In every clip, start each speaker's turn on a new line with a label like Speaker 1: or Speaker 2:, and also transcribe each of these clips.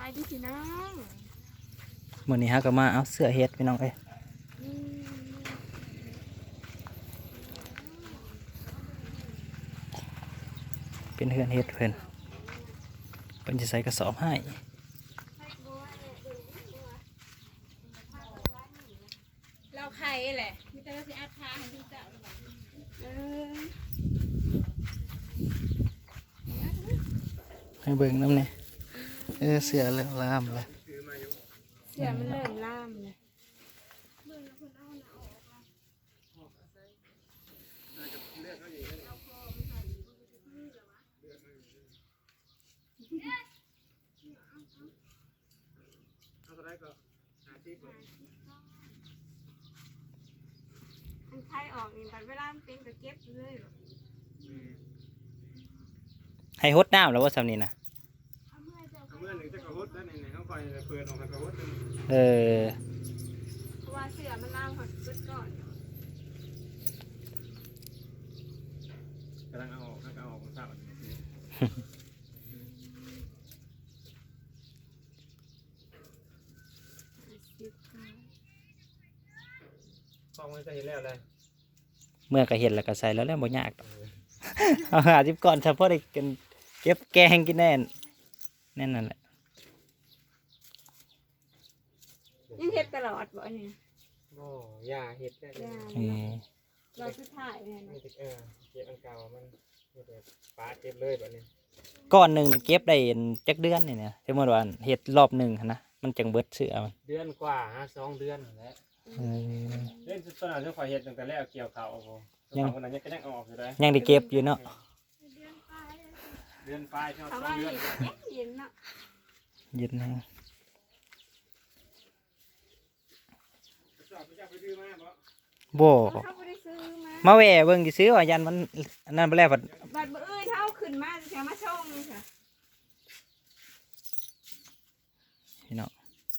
Speaker 1: ายดีพี่น้อง
Speaker 2: มื้อนี้ฮะก็มาเอาเสื้อเฮ็ดพี่น้องเอ้ยเป็นเฮือนเฮ็ดเพิ่นจะใส่กระสอบให้
Speaker 1: เราไข่แหละมีแต่เราสิอัดทาให้พี่เจ้า
Speaker 2: ให้เบิ่งน้ำเนี่ยเสื้อเริ่มลามเลย
Speaker 1: เสียมันเริ่มล่ามเลยมันไข่ออกนี่แต่เวลามันเป็นก็เก็บเลย
Speaker 2: ให้ฮดน้ำแล้วว่าสำนี้นะ
Speaker 3: เมื่อหนึ่งจะกระหุดแล้วในเขาคอยเปิดออกมากระหุด
Speaker 1: เพราะว่าเสือมันล่ามหดชุดก่อน
Speaker 3: กำลังเอาออกของสาวฟองมันจะเห็นแล้วเลย
Speaker 2: เมื่อก็เห็นแล้วก็ใส่แล้วบ่ยากเอาหาจิบก่อนเฉพาะได้กันเก็บแกงกินแน่นั่นแหละ
Speaker 1: ยังเฮ็ดตลอดบ่เนี่ย
Speaker 3: โอ้ยาเห็ดได้เลย
Speaker 1: เราสุดท้ายเนี่ยนะ
Speaker 3: เก็บอันเก่ามันปลาเก็บเลยแบบนี้
Speaker 2: ก้อนหนึ่งเก็บได้จักเดือนนี่เนี่ยสมมติว่าเห็ดรอบหนึ่งนะมันจังเบิดเสือมัน
Speaker 3: เดือนกว่า2 เดือนแล้วเล่นต้นอะไรที่คอยเห็ดตั้งแต่แรกเกี่ยวเขายังคนนั้นยังออกอยู่เลย
Speaker 2: ยังได้เก็บอยู่เนาะ
Speaker 3: เดือนปลายช่วง
Speaker 1: เขาว่า
Speaker 3: 2 เดือน
Speaker 1: เย็นเนาะ
Speaker 2: เย็นนะ
Speaker 3: จะไปดื้อมากบ่
Speaker 2: โบ่
Speaker 1: เขาไม่ได้ซื้อมา
Speaker 2: มาแหวเบิ่งสิซื้อว่ายันมันนั่นไปแล้วบัด
Speaker 1: บัดเอ้ยเท่าขึ้นมาจะมาชงค่ะ
Speaker 2: พี่น้อง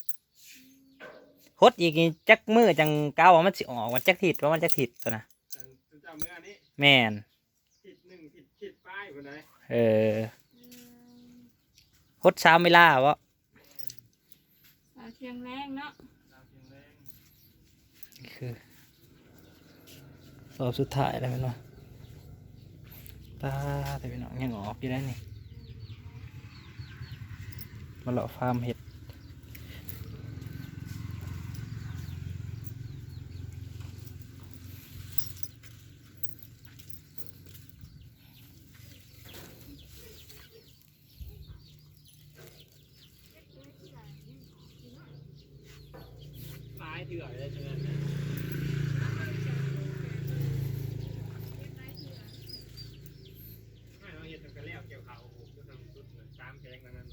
Speaker 2: ฮดอีกนี่จักมือจังเก้าว่ามันสิออกว่าจักถิดว่ามันจักถิดตัวนะ
Speaker 3: เจ้าเมื่อนี้
Speaker 2: แม่น
Speaker 3: ผิดป้ายคนไหน
Speaker 2: ฮด3เวลาวะ
Speaker 1: เชียงแรงเนาะ
Speaker 2: คือรอบสุดท้ายแล้วแม่นบ่ตาแต่พี่น้องยังออกอยู่ได้นี่มาเลาะฟาร์มเห็ด
Speaker 3: ป้ายเถื่อนเลยใช่ไหมไม่เราเห็ดตั้งแต่แรกเกี่ยวเขาก็ทำชุด3 แพงนั้น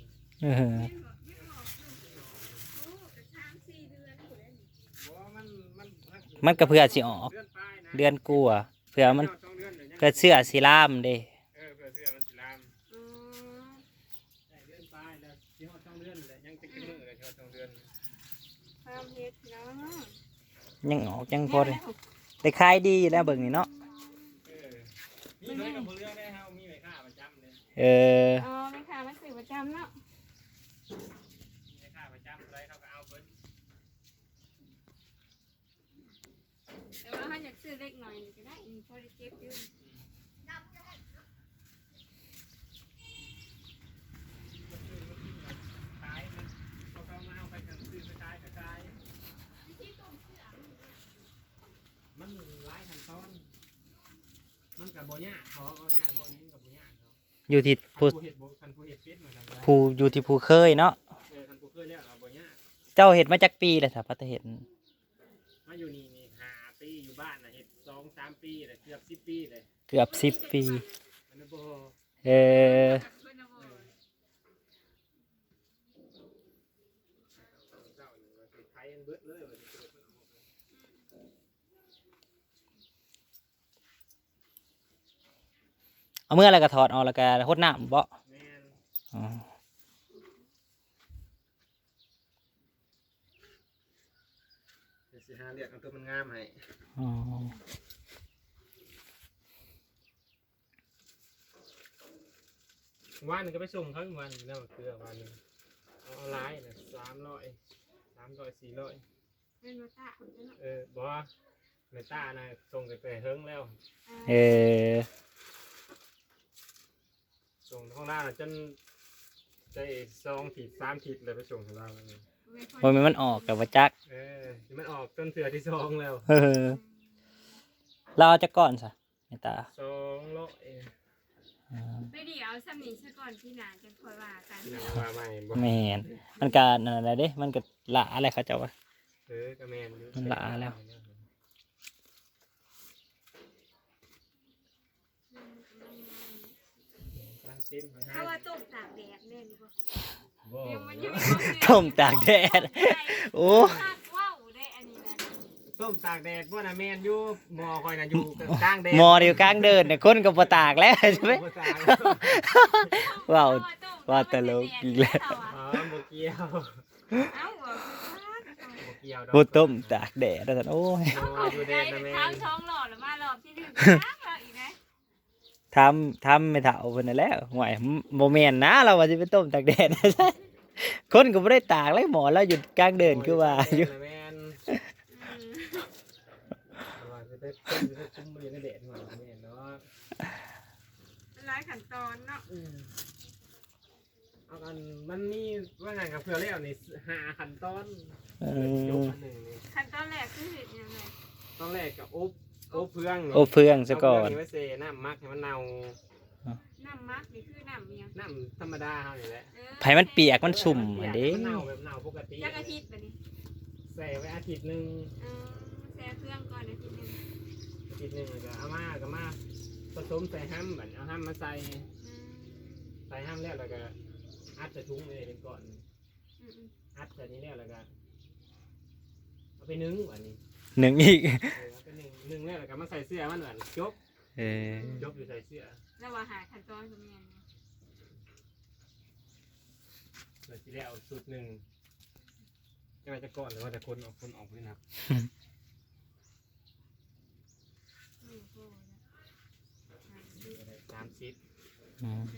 Speaker 2: มันก็เพื่อสิออกเดือนกลัวเพื่อมันเพื่อเสื้อสีล่ามเด้
Speaker 3: เพื่อเสื้อมันสีลามเดือนปลายแล้วที่เขา2 เดือนเลยยังจะกินมือเลยที่เขา2 เดือน
Speaker 1: ความเฮ็ดเนาะ
Speaker 2: ยังออกยังพอได้ขายดีอยู่แล้วเบิ่งนี่เนาะ
Speaker 3: มีเลยกับเรื่องได้ครับมีไว้ค่าประจำเลย
Speaker 1: อ๋อไม่ค่ะมันสื่อประจำเนาะ
Speaker 3: ไว้ค่าประจำอะไรเขาก็เอาเพิ่น
Speaker 1: แต่ว่าถ้าอยากซื้อเล็กหน่อยก็ได้มีพอได้เก็บอยู่
Speaker 3: ขายมันเขาก็มาเอาไปกันซื้อไปขายก็ขายมันหลายขั้นตอนมันกับโบย่าเขาเอาย่าโบนี้กับโบย่าเขา
Speaker 2: อยู่ที่ผู้
Speaker 3: เห็ดโบคันผู้เห็ดเป็ดเหมือนกันเลย
Speaker 2: ผู้อยู่ที่ผู้เคยเนาะ
Speaker 3: คันผู้เคยแล้วเอาโบย่า
Speaker 2: เจ้าเห็ดมาจากปีเลยถ้าพัฒเห็ด
Speaker 3: มาอยู่นี่5 ปีอยู่บ้านนะเห็ด2-3 ปีเลยเกือบ10 ปีเลย
Speaker 2: เกือบ10 ปี
Speaker 3: มันโบ ไทยเบิดเลย
Speaker 2: เอาเมื่อไรก็ถอดออกแล้วก็ฮดน้ำบ่
Speaker 3: แม่น
Speaker 2: อ๋อ
Speaker 3: เดี๋ยวสิหาเรียกเอาตัวมันงามให้
Speaker 2: อ๋อ
Speaker 3: วันนึงก็ไปส่งเขาอีกวันนึงแล้วเกลือวันนึงเอาลายน่ะ300 400
Speaker 1: เป็นมาตาคนเนาะ
Speaker 3: บ่เมตานะส่งไปเฮิงแล้ว
Speaker 2: เออ
Speaker 3: ส่งข้างล่างจนได้2 ขีด 3 ขีดเลยไปส่งข้างล่าง
Speaker 2: บ่แม่นมันออกกับว่าจัก
Speaker 3: มันออกจนเถื่อที่2แล้ว
Speaker 2: เออเราเอาจักก่อนซะแม่ตา
Speaker 3: 200
Speaker 1: ไม่ดีเอาซ้ำนี้ซะก่อนที่หนาจะคอยว่ากัน
Speaker 3: ที่ว่าใหม่บ่
Speaker 2: แม่นมันก็นั่นแหละเด้มันก็ละอะไรเขาเจ้าว่า
Speaker 3: ก็แม่นอยู่
Speaker 2: มันละแล้ว
Speaker 3: กำลังจิ้ม
Speaker 1: ถ้าว่าต้มตากแดดเนี่ยดีกว่า
Speaker 3: บ่
Speaker 1: ยังมันยัง
Speaker 2: ต้มตากแดดโอ้
Speaker 1: ว้าวได้อันนี้นะ
Speaker 3: ต้มตากแดดบ่น่ะแม่นอยู่หม้อคอยน่ะอยู่กลางแดด
Speaker 2: หมอเดียวกลางเดินเนี่ยคนก็บ่ตากแล้วใช่ไหม
Speaker 3: บ่ตาก
Speaker 2: ว้าวว่าตลกอีกแล้ว
Speaker 3: บ่เกี่ยว
Speaker 1: เอ้าบ่
Speaker 3: บ่เกี่ยวดอก
Speaker 2: บ่ต้มตากแดดแล้วซั่นโอ้ย
Speaker 3: หม้ออยู่แด
Speaker 1: ได้
Speaker 3: ดน่ะแม่
Speaker 1: เท้าน ท้องหล่อแล้วมารอบที่หนึ่งแล้วอีกนะ
Speaker 2: ทำไม่เฒ่าเพิ่นนั่นแหล้วห่วยบ่แม่นนะเราว่าสิไปต้มตากแดด คนก็บ่ได้ตากเลยหมอเราอยู่กลางเดินคือว่าอยู่
Speaker 3: แม่นว่าจะได้คุ้มบ่อยู่ในแดดหน่อยแม่นเนาะ
Speaker 1: หลายขั้นตอนเนาะ
Speaker 3: เอากันมันมีว่าไงกับเพื่อแล้วนี่5ขั้นตอน
Speaker 2: เอ
Speaker 3: จบ
Speaker 2: อ
Speaker 3: อันหนึงนี่
Speaker 1: ขั้นตอนแรกคือเห็ดยังไง
Speaker 3: ตอนแรกก็อบเฟือง
Speaker 2: โอ้เฟืองซะก่อน
Speaker 3: เาเฟืงไว้เซน้ำมักให้มันเน่า
Speaker 1: น้ำมักนี่คือน้ำเมียง
Speaker 3: น้ำธรรมดาเฮานี่แหละ
Speaker 2: ไผมันเปียกมันสุ่มอันเด้
Speaker 3: มันเน่าแบบเน่าปกติ
Speaker 1: จักอาทิตย์แบบนี้
Speaker 3: ใส่ไว้อาทิตย์หนึง
Speaker 1: แช่เครื่องก่อนอาทิตย์นึง
Speaker 3: อาทิตย์หนึงแล้วก็เอามาผสมใส่ห้ำบัดเอาห้ำมาใส่ห้ำแล้วก็อัดใส่ถุงเลยเป็นก่อนอัดใส่นี้แล้วก็เอาไปนึ่งวันนี้
Speaker 2: หนึ่งอีก
Speaker 3: เอาไปนึ่งแล้วก็มาใส่เสื้อมันเหมือนจบ
Speaker 2: เออ
Speaker 3: จบอยู่ใส่เสื้อ
Speaker 1: แล้วว่าหาขั้นตอนคือเมียง
Speaker 3: เลยทีแล้วสูตรหนึ่งจะไปจะก่อนหรือว่าจะคนออกด้วยนะ 30
Speaker 2: อืม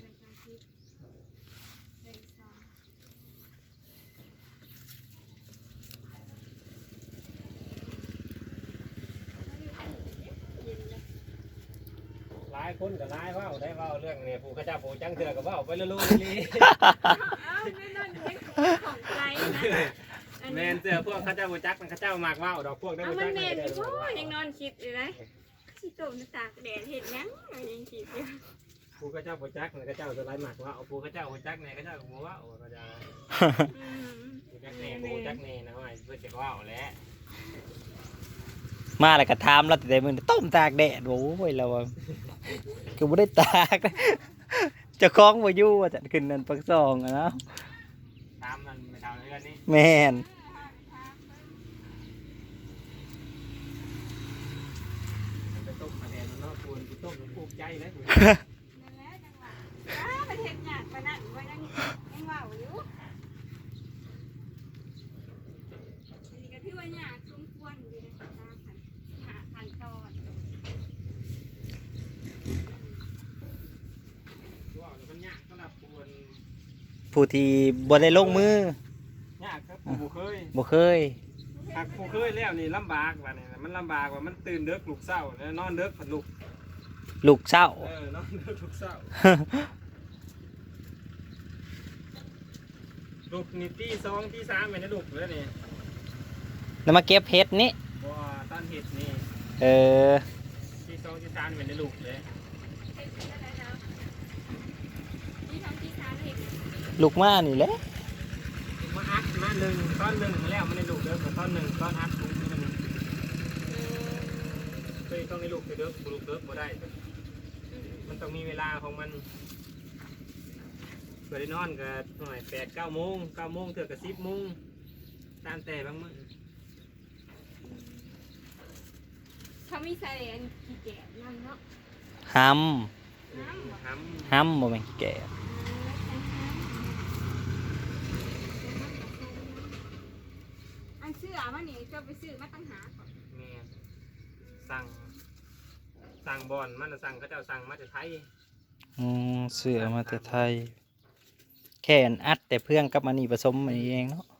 Speaker 3: หลายคนกับหลายว่าวได้ว่าวเรื่องเนี่ยผู้ข้าเจ้าผู้จังเถื่อกับว่าวไปลุยลี
Speaker 1: ไม่นอนเด็กของใจนะ
Speaker 3: แมนเสือพวกข้าเจ้าผู้จักมันข้าเจ้ามากว่าวดอกพวกได้
Speaker 1: เอา
Speaker 3: ผู้
Speaker 1: มั
Speaker 3: จั
Speaker 1: น
Speaker 3: ก
Speaker 1: เมนพ่อยังนอนคิดอยู่นะสิโตมตากแดดเห็ดยังยังคิดอยู่
Speaker 3: ผู้ข้าเจ้าผู้จักเนี่ยข้าเจ้าจะไล่หมากว่าวผู้ข้าเจ้าผู้จักเนี่ยข้าเจ้าก็ว่าวก็จะผู้จักเนี่ยผู้จักเนี่ยนะว่าเพื่อจะว่าวแหละ
Speaker 2: มาแล้วก็ถามเราแต่มื้อต้มตากแดดโอ้ยเราว่าก็บ่ได้ตากนะเจ้าของบ่อยู่ว่าจะขึ้นนั่นปักซองอะเนาะ
Speaker 3: ตามมันไม่ทำเรื่องนี้
Speaker 2: แม่น
Speaker 3: ไปต้มมาแดดเนาะควรไปต้มแล้วปลูกใจเลย
Speaker 1: นั่นแหละจังหวะประเทศหยาดปนั่นไว้ยังว่าวอยู่นี่ก็ที่ว่าหยาดสมควรอยู่ในตามหาขั้นตอน
Speaker 3: ว่าวมันยากสำหรับคน
Speaker 2: ผู้ที่บ่ได้ลงมือย
Speaker 3: ากครับผู้เคย
Speaker 2: บ่เคย
Speaker 3: หากผู้เคยแล้วนี่ลำบากว่านี่มันลำบากว่ามันตื่นเด็กลูกเศร้าแล้วนอนเด็กผัดลูก
Speaker 2: ลูกเช้า
Speaker 3: นอนเด็กลูกเศร้าลูกนี่ที่2ที่3เป็นนะลูกแล้วนี่
Speaker 2: แล้วมาเก็บเห็ดนี่
Speaker 3: บ่ต้นเห็ดนี่
Speaker 2: เออ
Speaker 3: ที่2ที่3เป็นนะลูกเลย
Speaker 1: ที่ทำที่ทานเห็ด
Speaker 2: ลูกมานี่แหละ
Speaker 3: มาอัดมาหนึ่งต้นหนึ่งแล้วมันในลูกเด็กกับต้นหนึ่งต้นอัดลูกมันเคยต้องในลูกเด็กลูกเด็กบ่ได้มันต้องมีเวลาของมันเกิดได้นอนก็หน่อย8-9 โมง9 โมงเถื่อกับ10 โมงตามแต่บางมื้อ
Speaker 1: เขามีใส่อันขี้แกะนั่นเนาะ
Speaker 2: ห
Speaker 1: น้ำหวาน
Speaker 2: ำหำบ่แม่นแก่
Speaker 1: อันเสื้อมันนี่จะไปซื้อมาตั้งหาก่อน
Speaker 3: แม่สั่งบอลมันสั่งเขาเจ้าสั่งมาจากไทย
Speaker 2: เสื้อมาแต่ไทยแค่อัดแต่เพื่องกับมันนี่ผสมมันเองเนาะ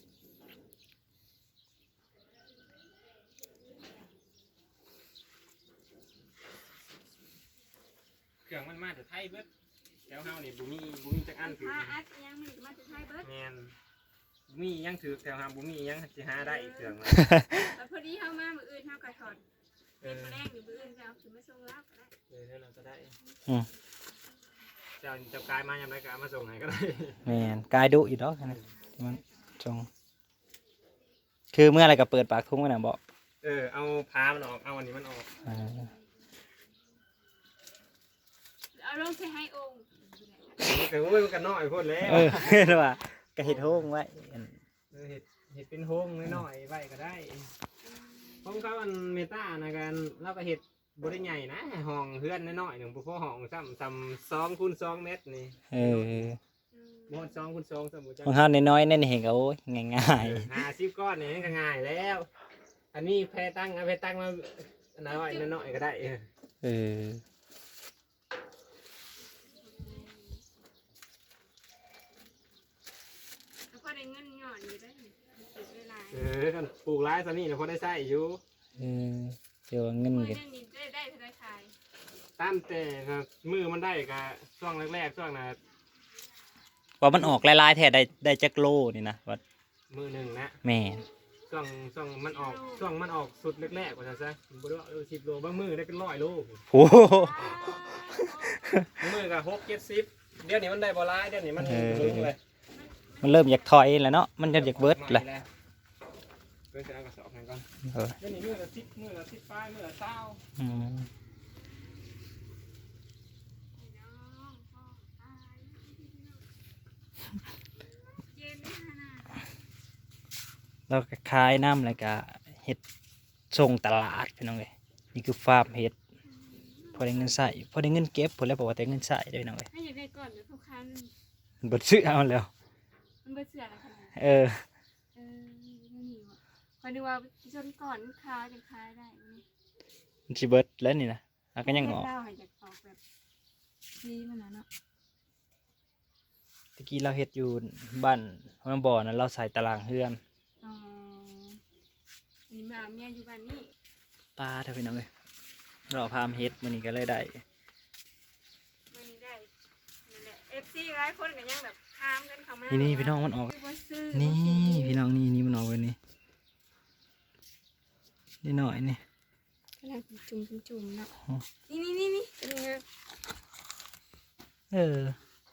Speaker 3: เครื่องมันมาจากไทยเบิดแถวเฮานี่บุมีจักอันถือ
Speaker 1: ถ้าอัดยังมันมาจะใช้เบิร์ด
Speaker 3: แมนบุมียังถือแถวเฮาบุมียังสิหาได้เครื่องมัน
Speaker 1: แต่พอดีเข้ามามืออื่นเข้ากระถอน
Speaker 3: เอ
Speaker 1: เป็น
Speaker 3: อ
Speaker 1: มาแรกหรือมืออื่นจะเอาขึ้นมาส่งรับก็ได้
Speaker 3: เท่านั้นก็ได้
Speaker 2: อืม
Speaker 3: เจ้ากายมายังไงก็เอามาส่งให้ก็ได้
Speaker 2: แม่นกายดุอีกดอกนะที่มันจงคือเมื่อไรก็เปิดปากทุ่งกันนะบอก
Speaker 3: เอาพามันออกเอาอันนี้มันออก
Speaker 1: เอาลงใช้ให้องค์
Speaker 3: แต่โอ้ยมันก็น้อยโพดแล้ว
Speaker 2: เออเห็นว่าก็เห็ดโฮงไว้
Speaker 3: เห็ดเป็นโฮงน้อยๆไว้ก็ได้ผมเขาอันเมตานะกันเราก็เห็ดบริใหญ่นะห้องเฮือนน้อยๆหนึ่งพวกห้องซ้ำ2 x 2 เมตรนี่
Speaker 2: เออ
Speaker 3: บ่2 x 2สมมุติ
Speaker 2: ของเขาน้อยๆนั่นเห็นก็โอ้ยง่าย
Speaker 3: 50 ก้อนนี่ก็ง่ายแล้ว อันนี้แพตั้งเอาแพตั้งมาน้อยๆก็ได้
Speaker 2: ๆเออ
Speaker 1: แล้วก็ได้เงินหย่อนอยู่ได้เวลา
Speaker 3: กันปลูกร้ายซะนี่เนี่ยพอได้ใช้อยู่
Speaker 2: เออเดี๋ยวเงิน
Speaker 1: เมื่อ
Speaker 2: กัน
Speaker 1: เรื่องนี้ได้ธนาคาร
Speaker 3: ตามแต่มือมันได้ก็ช่วงแรกๆช่วงน่ะ
Speaker 2: ว่ามันออกลายๆแท้ได้จักโลนี่นะว่า
Speaker 3: มือหนึ่งนะ
Speaker 2: แม่น
Speaker 3: ช่วงมันออกสุดแรกๆว่าซั่นซะบ่ได้ว่า10 โลบางมือได้เป็น100 โล
Speaker 2: โอ้โห
Speaker 3: บางมือก็6 70เดี๋ยวนี้มันได้บ่หลายเดี๋ยวนี้มันลึงเลย
Speaker 2: มันเริ่มอยากถอยแล้วเนาะมันเริ่มอยากเบิดแหละ
Speaker 3: เพิ่นจะเอากระสอบให้ก่อน
Speaker 2: เออ
Speaker 3: เดี๋ยวนี้มือละ10มือละ10ปลายมือละ20
Speaker 2: อืม
Speaker 1: เย็นนี่ฮะนะ
Speaker 2: แล้วก็ขายน้ำแล้วก็เห็ดส่งตลาดพี่น้องเลยนี่คือฟาร์มเห็ดพอได้เงินใส่พอได้เงินเก็บพอแล้วบอกว่าแต่เงินใส่ได้พี่น้องเลย
Speaker 1: ให้อยากได้ก่อนเดี๋ยวทุกคัน
Speaker 2: บดซื้อเอาแล้ว
Speaker 1: มันเบื่อเสือแล้วค่ะ
Speaker 2: เออ
Speaker 1: ไม่หิวอ่ะพอดูว่าจนก่อนค้าจะค้าได้ไหม
Speaker 2: มันสิเบิดแล้วนี่นะแล้วก็ยังงอก
Speaker 1: เล่าให้จากออกแบบดีมันนะเนาะ
Speaker 2: ตะกี้เราเห็ดอยู่บ้านน้ำบ่อนั้นเราใส่ตารางเฮือน
Speaker 1: อ๋อนี่มาเมียอยู่บ้านนี้
Speaker 2: ปลาเท่าพี่น้องเลยเราพามเห็ดมันนี่ก็เลยได้
Speaker 1: มันได้นั่นแหละFC หลายคนก็ยังแบบถามกันเข้ามา
Speaker 2: นี่พี่น้องมันออก
Speaker 1: บ่ซื้อ
Speaker 2: นี่พี่น้องนี่มันออกไปนี่นี่หน่อยนี่
Speaker 1: กำลังจุ่มๆเนาะนี่เป็นไง
Speaker 2: เออ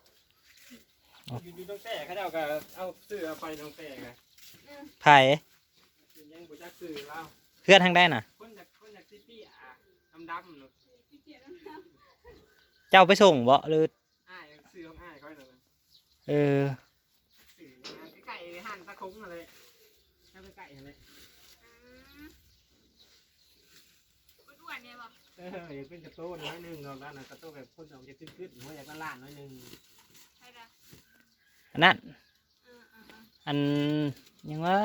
Speaker 3: อยู่ตรงแต่เขาเจ้าก็เอาซื้อเอาไปตรงแต่ก็
Speaker 2: ไผ่
Speaker 3: ยังบ่จักซื้อแล้ว
Speaker 2: เพื่อนทางได้น่ะ
Speaker 3: คนจากซิตี้ดำๆเนาะ
Speaker 2: เจ้าไปส่งบ่หรือ
Speaker 3: อ้ายซื้อของอ้ายเขาให้หน่อยนะ
Speaker 2: เออ
Speaker 3: ซื้อไก่หั่นตะคงอะไรถ้าเป็นไก่อะไร
Speaker 1: อ้วนๆเนี่ยบ่
Speaker 3: อยากเป็นกระโต้นน้อยหนึงเราด้านนั้นกระโต้นแบบคนออกจะขึ้นๆหัวอยากเป็นล้านน้อยหนึง
Speaker 1: ใช่ละ
Speaker 2: อันนั้น
Speaker 1: เออ
Speaker 2: อันยังว่า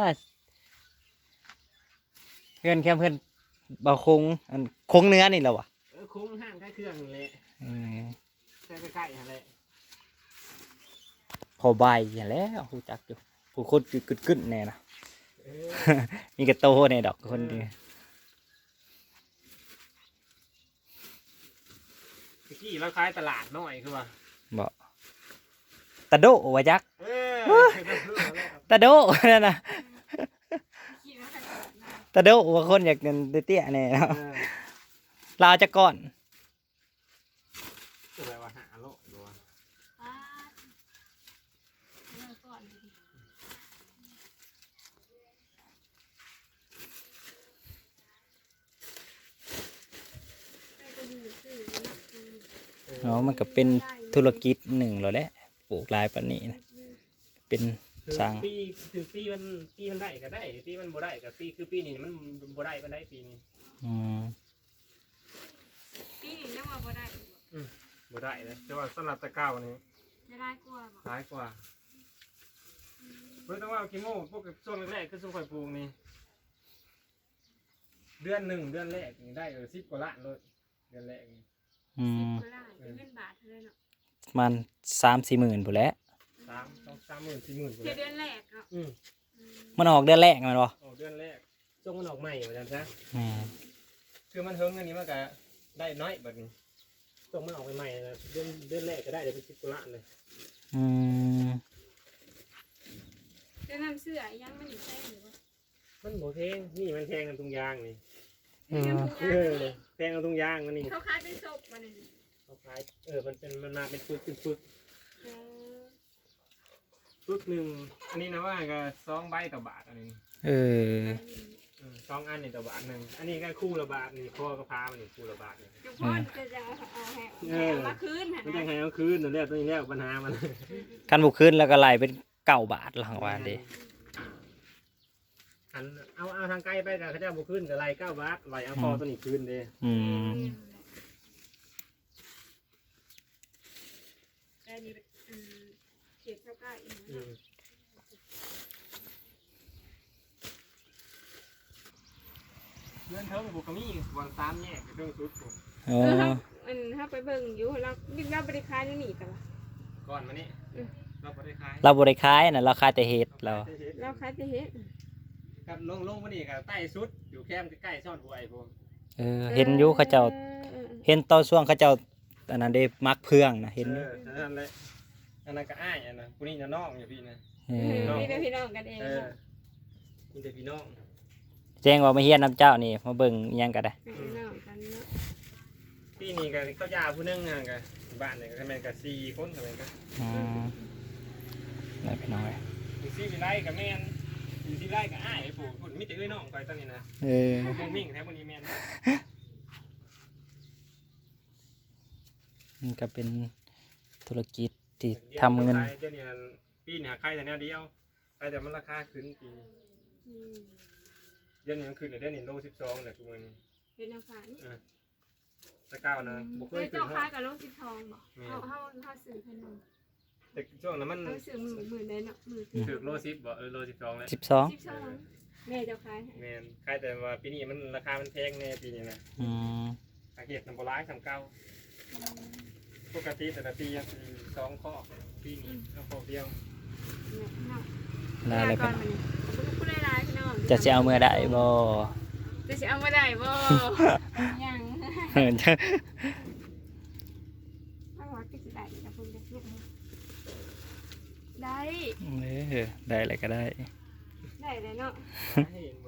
Speaker 2: เพื่อนแค่เพื่อนเบาคงอันคงเนื้อนี่แหละวะ
Speaker 3: คุ้งห้างใกล้เครื่องเลย
Speaker 2: เออ
Speaker 3: ใช่ใกล้ๆอะไร
Speaker 2: พอใบอย่างแล้วผู้จักอยู่ผู้คนกึดๆแน่นะ
Speaker 3: เออ
Speaker 2: มีกระโตในดอกคนเดียว
Speaker 3: ตะกี้เราขายตลาดน้อยคือว่า
Speaker 2: บอกตะโดวะจัก
Speaker 3: เออ
Speaker 2: ตะโดนั่นนะ
Speaker 1: คิดว่าจะเกิดนะ
Speaker 2: ตะโดว่าคนอยากเงินเตี้ยๆแน่เนาะลาวจะก่อน
Speaker 3: อะไรวะหาโลกดู
Speaker 1: ป้าเมื่อก่อนดิได้ก็ดีซื้อนะ
Speaker 2: เนาะมันก็เป็นธุรกิจหนึ่งแล้วแหละปลูกลายปานนี้นะเป็นสร้าง
Speaker 3: ปีมันได้ก็ได้ปีมันบ่ได้ก็ปีนี้มันบ่ได้ปานใดปีนี้
Speaker 2: อืม
Speaker 1: ปีนี้ยังว่าบ่ได้อีกบ่
Speaker 3: บ่ได้เลยแต่ว่าสำหรับตะเก้านี่
Speaker 1: จะได้กลัวบ่
Speaker 3: หลายกว่าเพิ่นต้องว่ากิโมพวกช่วงแรกๆคือช่วงข่อยปลูกนี่เดือนแรกนี่ได้10 กว่าล้านเลยเดือนแรกนี่
Speaker 2: อื
Speaker 1: สิบ
Speaker 2: ม
Speaker 1: ก็ได้เป็นเงินบาทเท่านั้นเนาะ
Speaker 2: มัน3-4 หมื่นผู้นแหล้ว
Speaker 1: อื
Speaker 3: 30,000 40,000
Speaker 1: เดือนแรกเนาะ
Speaker 2: มันออกเดือนแรกแมันบ่
Speaker 3: ออกเดือนแรกช่วงมันออกใหม่เหมือนกันซะ
Speaker 2: แม่
Speaker 3: คือมันเฮิงอันนี้มันก็ได้น้อยแบบนี้ช่วงมันออกใหม่ๆนะเดือนแรกก็ได้เดี๋ยวเป็น10 กว่าล้านเลย
Speaker 2: อืม
Speaker 1: จะนำเสื้อยังไม่อยู่ใช่หรือว่า
Speaker 3: มันโหแพงนี่มันแพงกันตรงยางนี่ แพงกันตรงยางมันนี่
Speaker 1: เขาคล้ายเป็นศพมาเลย
Speaker 3: เขาขายมันมาเป็นปึกหนึ่งอันนี้นะว่าก็2 ใบต่อบาทอันนี้
Speaker 2: เออ
Speaker 3: 2 อันนี่ต่อบาทหนึ่งอันนี้ก็คู่ละบาทนี่พ่อก็พามันนี่คู่ละบาทนี่
Speaker 1: ทุกคนจะเอาให้มาคืน
Speaker 3: ไม่ได้ให้เอาคืนนั่นแหละตัวนี้แล้วปัญหามัน
Speaker 2: คันบุขึ้นแล้วก็ไล่เป็น9 บาทหลังวันเด้
Speaker 3: อันเอาทางไกลไปกับเขาเจ้าบุขึ้นกับไร9 บาทไรเอาพอตัวนี้คืนเด้
Speaker 2: อืม
Speaker 1: แต่นี่เขียนเท่ากันอีก
Speaker 3: เงินเท่าบุกมีวัน3 แยกเรื่องสุดผม
Speaker 2: อ๋อ
Speaker 1: ถ้าไปเบิ่งอยู่เราบริการนี่หนีแต่ว่า
Speaker 3: ก่อนมานี่เราไม่ได้ขาย
Speaker 2: เราบ่ได้ขายน่ะเราขายแต่เห็ดเรา
Speaker 1: เราขายแต่เฮ็ด
Speaker 3: กับลงมานี่กับใต้สุดอยู่แคมป์ใกล้ๆซ่อนหัวไอ้ผม
Speaker 2: เออเห็นอยู่เขาเจ้าเห็นตอนช่วงเขาเจ้าอันนั้นได้มักเพื่องนะเห็นอยู่
Speaker 3: นั่นแหละอันนั้นก็อ้ายอันนั้นผู้นี้จะน้องอยู่พี่นะ
Speaker 2: เออ
Speaker 1: นี่เป็นพี่น้องกันเอง
Speaker 3: มีแต่พี่น้อง
Speaker 2: แจ้งว่ามาเฮียนน้ำเจ้านี่มาเบิ่งอิหยังก็ได้
Speaker 1: พี่น้องกันเนาะ
Speaker 3: พี่นี่ก็เขายาผู้นึงอ่ะกับบ้านเนี่ยก็ทำไมกับ4 คนทำไมก็
Speaker 2: อืมได้พี่น้อย
Speaker 3: อยู่4 วิไลกับแม่นอยู่4 ไร่กับอ้ายไอ้ปู่พูดมีแต่เอ้ยน้องคอยตอนนี้นะ
Speaker 2: เออ
Speaker 3: มุ่งมิ่งแท้วันนี้แม่น
Speaker 2: มันก็เป็นธุรกิจที่ทำเงิน
Speaker 3: เดี๋ยวนี้ปีนี้ขายแต่แนวเดียวขายแต่มันราคาขึ้นปีเดี๋ยวนี้มันขึ้นเดี๋ยวนี้โล12เนี่ยทุกวันนี้
Speaker 1: เป็นน้ำฟ้านี่
Speaker 3: ตะก้าวนะบุกเคยขึ้น
Speaker 1: เจ้า
Speaker 3: เท่า
Speaker 1: ค้ากับโลกสีทองบอกเขาสื่อพนม
Speaker 3: แต่ช่วงนั้นมัน
Speaker 1: เขาสื่อมือได้เนาะมือ
Speaker 3: ถือโล10บ่โล12แล้ว
Speaker 2: 12
Speaker 1: แม่เจ้าค้า
Speaker 3: แม่นขายแต่ว่าปีนี้มันราคามันแพงแน่ปีนี้นะ
Speaker 2: อืม
Speaker 3: อาเกตน้ำปลาสำเก่าปกติแต่ละปี2 ข้อปีนี้เอาข้อเดียว
Speaker 2: ลาเลยพี่
Speaker 1: ก่อน
Speaker 2: น้อง
Speaker 1: มันพูดได้ร้ายพี่น้อง
Speaker 2: จะสิเอาเมื่อได้บ่
Speaker 1: จะเอามาได้บ่ยัง
Speaker 2: เออจะ
Speaker 1: ไม่ว่าก็จะได้แต่คุณจะลูกได้
Speaker 2: เออได้อะไรก็ได้
Speaker 1: ได้เลยเนาะ
Speaker 3: ให้